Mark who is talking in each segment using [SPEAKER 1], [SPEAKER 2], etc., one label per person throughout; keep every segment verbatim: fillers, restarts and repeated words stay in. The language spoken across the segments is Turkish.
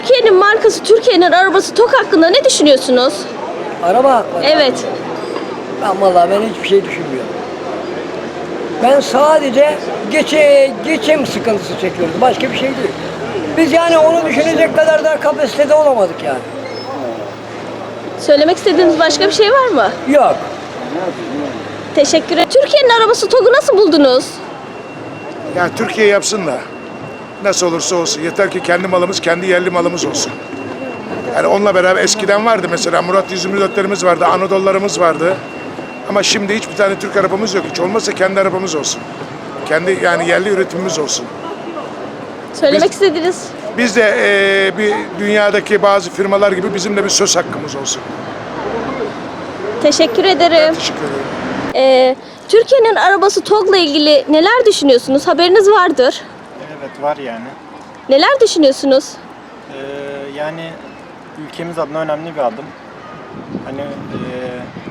[SPEAKER 1] Türkiye'nin markası, Türkiye'nin arabası TOG hakkında ne düşünüyorsunuz?
[SPEAKER 2] Araba hakları.
[SPEAKER 1] Evet.
[SPEAKER 2] Ben vallahi ben hiçbir şey düşünmüyorum. Ben sadece geçe, geçim sıkıntısı çekiyorum. Başka bir şey değil. Biz yani onu düşünecek kadar da kapasitede olamadık yani.
[SPEAKER 1] Söylemek istediğiniz başka bir şey var mı?
[SPEAKER 2] Yok.
[SPEAKER 1] Teşekkür ederim. Türkiye'nin arabası TOG'u nasıl buldunuz?
[SPEAKER 3] Yani Türkiye yapsın da nasıl olursa olsun. Yeter ki kendi malımız, kendi yerli malımız olsun. Yani onunla beraber eskiden vardı mesela Murat yüz yirmi dörtlerimiz vardı, Anadolu'larımız vardı. Ama şimdi hiçbir tane Türk arabamız yok. Hiç olmazsa kendi arabamız olsun. Kendi yani yerli üretimimiz olsun.
[SPEAKER 1] Söylemek
[SPEAKER 3] Biz-
[SPEAKER 1] istediğiniz.
[SPEAKER 3] Biz de eee, bir dünyadaki bazı firmalar gibi bizim de bir söz hakkımız olsun.
[SPEAKER 1] Teşekkür ederim.
[SPEAKER 3] Teşekkür ederim.
[SPEAKER 1] Ee, Türkiye'nin arabası TOG'la ilgili neler düşünüyorsunuz? Haberiniz vardır.
[SPEAKER 4] Evet var yani.
[SPEAKER 1] Neler düşünüyorsunuz?
[SPEAKER 4] Ee, yani ülkemiz adına önemli bir adım. Hani ee,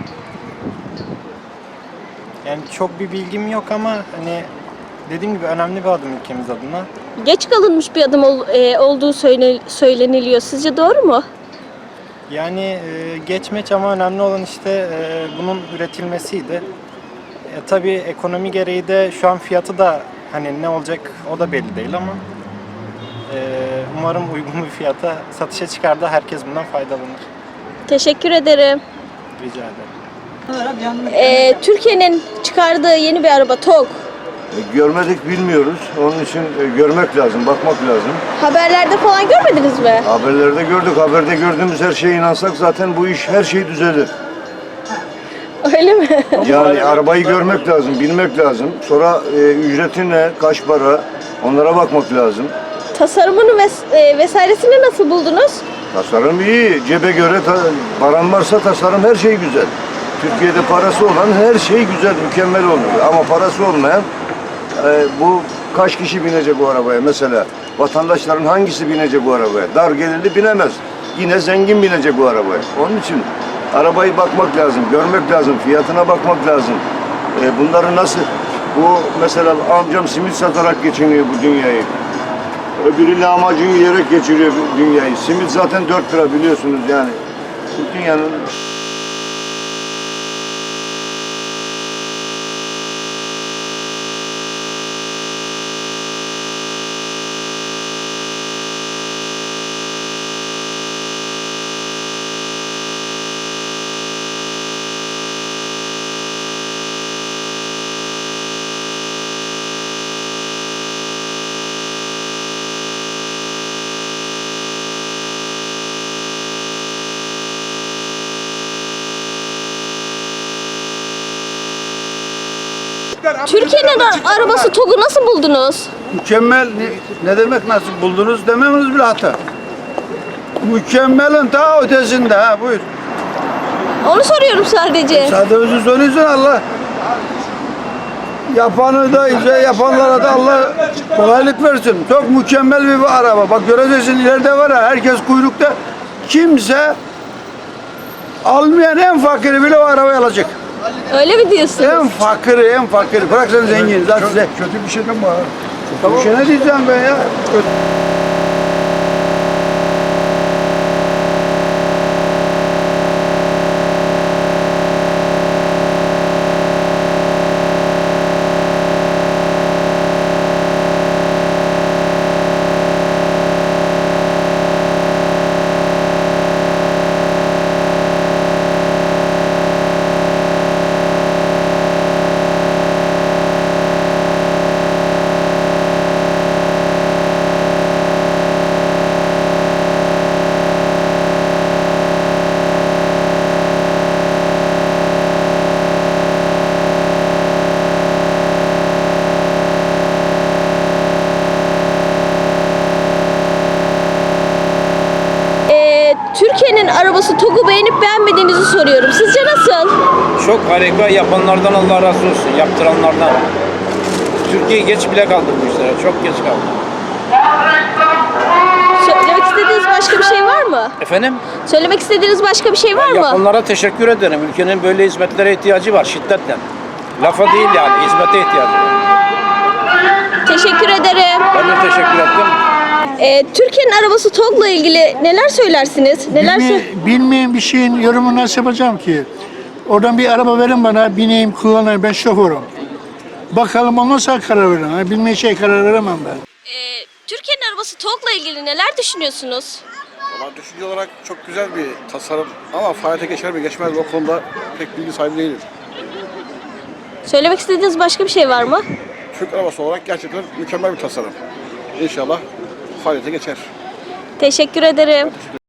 [SPEAKER 4] yani çok bir bilgim yok ama hani dediğim gibi önemli bir adım ülkemiz adına.
[SPEAKER 1] Geç kalınmış bir adım ol- e, olduğu söyle- söyleniliyor. Sizce doğru mu?
[SPEAKER 4] Yani ee, geçmeç ama önemli olan işte ee, bunun üretilmesiydi. E, tabii ekonomi gereği de şu an fiyatı da hani ne olacak o da belli değil ama ee, umarım uygun bir fiyata satışa çıkar da herkes bundan faydalanır.
[SPEAKER 1] Teşekkür ederim.
[SPEAKER 4] Rica ederim.
[SPEAKER 1] Ee, Türkiye'nin çıkardığı yeni bir araba TOG.
[SPEAKER 5] Görmedik bilmiyoruz. Onun için e, görmek lazım, bakmak lazım.
[SPEAKER 1] Haberlerde falan görmediniz mi?
[SPEAKER 5] Haberlerde gördük. Haberde gördüğümüz her şeye inansak zaten bu iş her şey düzelir.
[SPEAKER 1] Öyle mi?
[SPEAKER 5] Yani arabayı görmek lazım, bilmek lazım. Sonra e, ücreti ne, kaç para onlara bakmak lazım.
[SPEAKER 1] Tasarımını ves- e, vesairesini nasıl buldunuz?
[SPEAKER 5] Tasarım iyi. Cebe göre ta- paran varsa tasarım her şey güzel. Türkiye'de parası olan her şey güzel, mükemmel oluyor. Ama parası olmayan e, bu kaç kişi binecek bu arabaya mesela? Vatandaşların hangisi binecek bu arabaya? Dar gelirli binemez. Yine zengin binecek bu arabaya. Onun için arabayı bakmak lazım, görmek lazım, fiyatına bakmak lazım. E, bunları nasıl? Bu mesela amcam simit satarak geçiniyor bu dünyayı. Öbürü lahmacun yiyerek geçiriyor bu dünyayı. Simit zaten dört lira biliyorsunuz yani. Bu dünyanın
[SPEAKER 1] Türkiye'nin ar- arabası TOG'u nasıl buldunuz?
[SPEAKER 6] Mükemmel ne, ne demek nasıl buldunuz dememiz bile hata. Mükemmelin daha ötesinde ha buyur.
[SPEAKER 1] Onu soruyorum sadece.
[SPEAKER 6] Sadece soruyorsun Allah. Yapanı da ise yapanlara da Allah kolaylık versin. Çok mükemmel bir araba. Bak göreceksin ileride var ya herkes kuyrukta. Kimse almayan en fakiri bile o arabayı alacak.
[SPEAKER 1] Öyle mi diyorsunuz?
[SPEAKER 6] En fakiri en fakiri. Bırak sen zengin. Zaten size.
[SPEAKER 3] Kötü bir şey mi var?
[SPEAKER 6] Bir şey ne diyeceğim ben ya?
[SPEAKER 1] Ee, Türkiye'nin arabası TOG'u beğenip beğenmediğinizi soruyorum. Sizce nasıl?
[SPEAKER 7] Çok harika, yapanlardan Allah razı olsun, yaptıranlardan. Türkiye geç bile kaldı bu işlere, çok geç kaldı.
[SPEAKER 1] Söylemek istediğiniz başka bir şey var mı?
[SPEAKER 7] Efendim,
[SPEAKER 1] Söylemek istediğiniz başka bir şey var mı?
[SPEAKER 7] yapanlara teşekkür ederim. Ülkenin böyle hizmetlere ihtiyacı var şiddetle. Lafa değil yani, hizmete ihtiyacı var.
[SPEAKER 1] Teşekkür ederim.
[SPEAKER 7] Ben de teşekkür ettim.
[SPEAKER 1] Ee, Türkiye'nin arabası TOGG'la ilgili neler söylersiniz? Neler
[SPEAKER 8] Bilme-
[SPEAKER 1] sö-
[SPEAKER 8] bilmeyen bir şeyin yorumunu nasıl yapacağım ki? Oradan bir araba verin bana, bineyim, kullanayım, ben şoförüm. Bakalım ondan sonra karar veririm. Ha, bilmeyen şey karar veremem ben.
[SPEAKER 1] Ee, Türkiye'nin arabası TOGG'la ilgili neler düşünüyorsunuz?
[SPEAKER 9] Valla düşünce olarak çok güzel bir tasarım ama faaliyete geçer mi geçmez mi o konuda pek bilgi sahibi değilim.
[SPEAKER 1] Söylemek istediğiniz başka bir şey var mı?
[SPEAKER 9] Türk arabası olarak gerçekten mükemmel bir tasarım. İnşallah faaliyete geçer.
[SPEAKER 1] Teşekkür ederim.